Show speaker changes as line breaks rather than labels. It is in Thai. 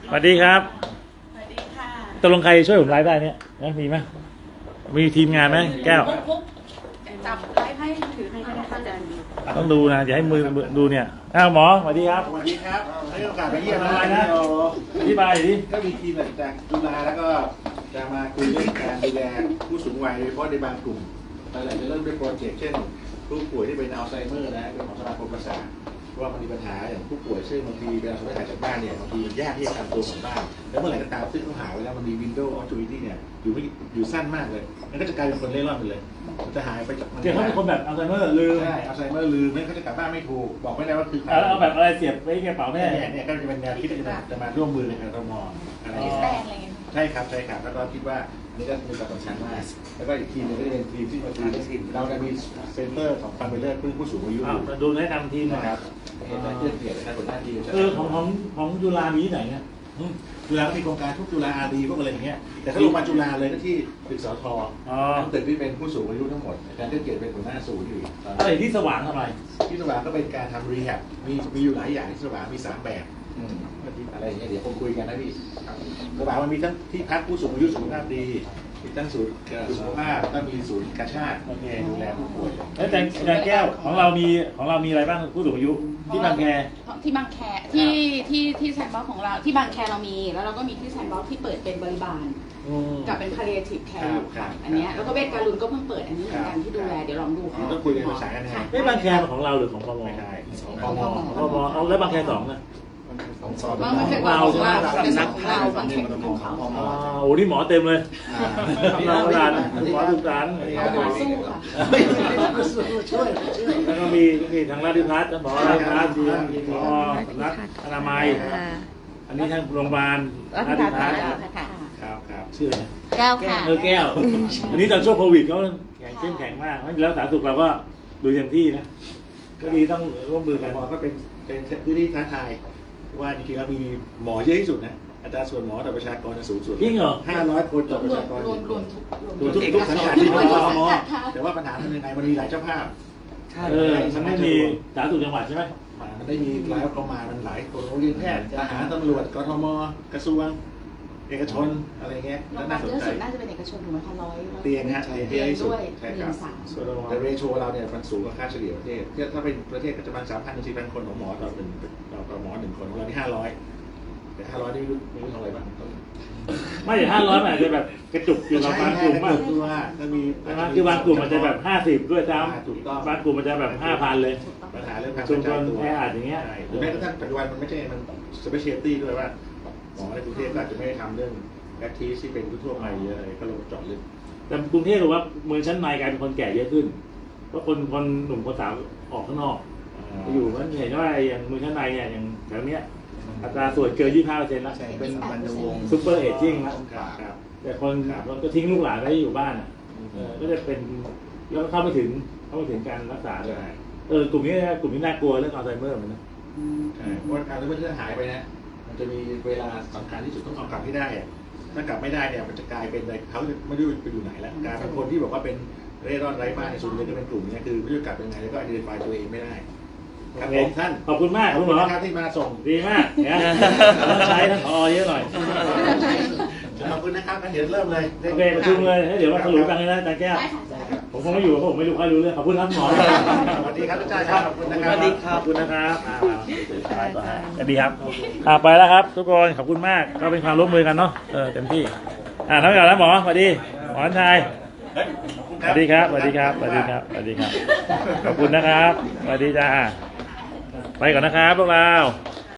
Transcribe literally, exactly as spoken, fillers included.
สวัสดีครับ
สวัสดีค่ะ
ตกลงใครช่วยผมไลฟ์ได้เนี่ยนะมีไหมมีทีมงานไหมแก้ว
จับไลฟ์ให้ถือให้ก็ได้ค่ะอาจารย์
ต้องดูนะอย่าให้มือดูเนี่ยอ้าวหมอสวัสดีครับ
สวัสดีครับให้โอกาสไปเยี่ยม
อะไรนะอธิบายดิ
ก็มีทีมจากจุฬาแล้วก็จะมาคุยเรื่องการดูแลผู้สูงวัยโดยเฉพาะในบางกลุ่มอะไรจะเริ่มด้วยโปรเจกต์เช่นผู้ป่วยที่เป็นอัลไซเมอร์นะเป็นของสมาคมประสาทว่ามันมีปัญหาอย่างผู้ป่วยซึ่งบางทีเวลาเขาไปหายจากบ้านเนี่ยบางทียากที่จะทำตัวของบ้านแล้วเมื่อไหร่ก็ตามซึ่งเขาหาไว้แล้วมันมี window opportunity เนี่ยอยู่ไม่อยู่สั้นมากเลยมันก็จะกลายเป็นคนเล่ร่อนไปเลยมันจะหายไปจาก
เดี๋ยวเขาเป็นคนแบบอัลไซเมอร์ลืม
ใช่อัลไซเมอร์ลืมไม่เขาจะกลับบ้านไม่ถูกบอกไม่ได้ว่าคือใคร
แล้วเอาแบบอะไรเสียบไว้ในกระเป๋าแม่
เนี่ยเนี่ยก็จะเป็นแนวคิดที่จะมาร่วมมือในการทมอะไรอย่างเงี้ยใช่ครับใช่ครับแล้วก็คิดว่าอันนี้ก็มีความสำคัญมากแล้วก็อีกทีนึงก็จะเป็นทีมที่มาทีมทีมเราจะมีเซ็นเตอร์ของฟันเบลเลอร์เพื่อผู้สูงอายุ
ดูแนะนำทีม
นะครับเห็นไหมเพื่อนเกียรตินะครับคนหน้าที
เออของของของจุฬามีที่ไหนเนี่ย
จุฬาก็มีโครงการทุกจุฬาอารีพวกอะไรอย่างเงี้ยแต่ถ้าลงมาจุฬาเลยก็ที่ตึกสททั้งตึกที่เป็นผู้สูงอายุทั้งหมดอาจารย์เพื่อนเกียรติเป็นหัวหน้าศูนย์อยู่
อะไรที่สว่างทำไม
ที่สว่างก็เป็นการทำรีแฮบมีมีอยู่หลายอย่างที่สว่างมีสามแบบอะไรอย่างเงี้ยเดี๋ยวผมคุยกันนะพี่สว่างมันมีทั้งที่พักผู้สูงอายุสุขภาพดีมีทั้งศูนย์สุขภาพแล้วมีศูนย์กาชาติดูแลผู้ป่วย
แล้วแต่อาจารย์แก้วของเรามีของเรามีอะไรบ้างผู้สูงอายุที่บางแค
ที่บางแคที่ที่ที่แซนด์บ็อกซ์ของเราที่บางแคเรามีแล้วเราก็มีที่แซนด์บ็อกซ์ที่เปิดเป็นบริบาลกับเป็น palliative care อยู่ค่ะอันนี้แล้วก็เวชการุณก็เพิ่งเปิดอันนี้เหมือนกันที่ดูแลเดี๋ยวลองดูค่ะ
ต้องคุยกันภาษากันนะ
ไม่บางแคของเราหรือของพม
ไม่ใช่
ของพมของพมเอาแล้วบางแคสองนะ
ของสอ
บางเราของเราเป็นนักข่าวบางแคของเขา
โอ้นี่หมอเต็มเลยหมอโบราณหมอดุจาน
หมอสู้ค่ะ
ช่วย
แล้วก็มีมีทางราชพัฒน์หมอราชพัฒน์มีหมอนักอนามัยอันนี้ทางโรงพยาบาลราชพัฒน์
ครับครับ
ชื่อ
แก้วค่ะ
เออแก้วอันนี้ตอนช่วงโควิดเขาแข็งเข้มแข็งมากแล้วสาธารณสุขเราก็ดูเต็มที่นะก็ดีต้องร่วมมือกัน
หมอก็เป็นเป็นพื้นที่ท้าทายว่าจริงๆแล้วมีหมอเยอะที่สุดนะอัตราส่วนหมอต่อประชากรสูงสุด
จริงเหรอ
ห้าร้อยคนต่อประชากร
รวมรวม
ทุกทุกสังกัดที่เป็นกทมแต่ว่าปัญหาเป็นยังไงมันมีหลายเจ้าภาพ
เออมันไม่มีสาธารณสุขจังหวัดใช่ไหม
มันได้มีหลายประมาณมันหลายคนโรงเรียนแพทย์ทหารตำรวจกทมกระทรวงเอกชนอะไรเงี้ย
น่าสนใจน่าจะเป็นเอกชนถูกไหมคะร้อย
เตียงฮะเตียง
ด้วย
ใช่ครับแต่เรโชเราเนี่ยมันสูงกว่าค่าเฉลี่ยประเทศถ้าเป็นประเทศก็จะประมาณสามพันถึงสี่พันคนของหมอต่อหนึ่งต่อหมอหนึ่งคนเราที่ห้าร้อยแต่ห้าร้อยนี่ไม่รู้ไม่รู้ทำอะไรบ้าง
ไม่ห้าร้อยมันอาจจะแบบกระจุกอยู่กับบางกลุ่มมาก
คือว่าถ้ามี
คือบางกลุ่มมันจะแบบห้าสิบด้วยซ้ำบางกลุ่มมันจะแบบห้าพันเลย
ปัญหาเรื่องการ
ชุมชนแออัดอย่างเงี้ย
หรือแม้กระทั่งปัจจุบันมันไม่ใช่มันสเปเชียลตี้ด้วยว่าหมอในกรุงเทพอาจจะไม่ได้ทำเรื่องแอคทีฟที่เป็นทั่วไปเยอะอะไรก็ลงเจาะลึก
แต่กรุงเทพหรือว่าเมืองชั้นในกลายเป็นคนแก่เยอะขึ้นเพราะคนคนหนุ่มคนสาวออกข้างนอกอยู่มันเห็นว่าอย่างเมืองชั้นในเนี่ยอย่างแถวเนี้ยอัตราส่วนเกินยี่สิบห้าเปอร์เซ็นต์แล้ว
เป็นบรรวง
ซุปเปอร์เอจจิ้งแล้วแต่คนคนก็ทิ้งลูกหลานไว้อยู่บ้านอ่ะก็จะเป็นแล้วเข้าไม่ถึงเข้าไม่ถึงการรักษาเลยเออกลุ่มนี้กลุ่มนี้น่ากลัวเรื่องอัลไซเมอร์เหมือนกัน
ใช่เพราะการที่มันหายไปนะมันจะมีเวลาสำคัญที่สุดต้องเอากลับให้ได้ถ้ากลับไม่ได้เนี่ยมันจะกลายเป็นอะไรเขาไม่รู้ไปอยู่ไหนแล้วกลายเป็นคนที่บอกว่าเป็นเร่ร่อนไร้บ้านในส่วนใหญ่จะเป็นกลุ่มนี้คือไม่รู้กลับยังไงแล้วก็ identify ตัวเองไม่ได้ครับผมท่าน
ขอบคุณมาก
ขอบคุณครับที่มาส่ง
ดีมากเนี่ยต้องใช้ท่านผอเยอะหน่อย
ขอบคุณนะครับงั้นเดี๋ยวเริ่มเลย
โอเคประชุมเลยเดี๋ยวมาสรุปกันเลยนะอาจารย์แก้วผมคงไม่อยู่เพราะผมไม่รู้ใครรู้เรื่องขอบคุณครับหมอ
สวัสดีครับอาจารย์ครับขอบคุณนะครับ
สวัสดีครับขอบคุณนะครับสวัสดีครับไปแล้วครับทุกคนขอบคุณมากก็เป็นความร่วมมือกันเนาะเออเต็มที่อ่าทั้งหมดแล้วหมอสวัสดีหมอชายสวัสดีครับสวัสดีครับสวัสดีครับสวัสดีครับขอบคุณนะครับสวัสดีจ้าไปก่อนนะครับพวกเรา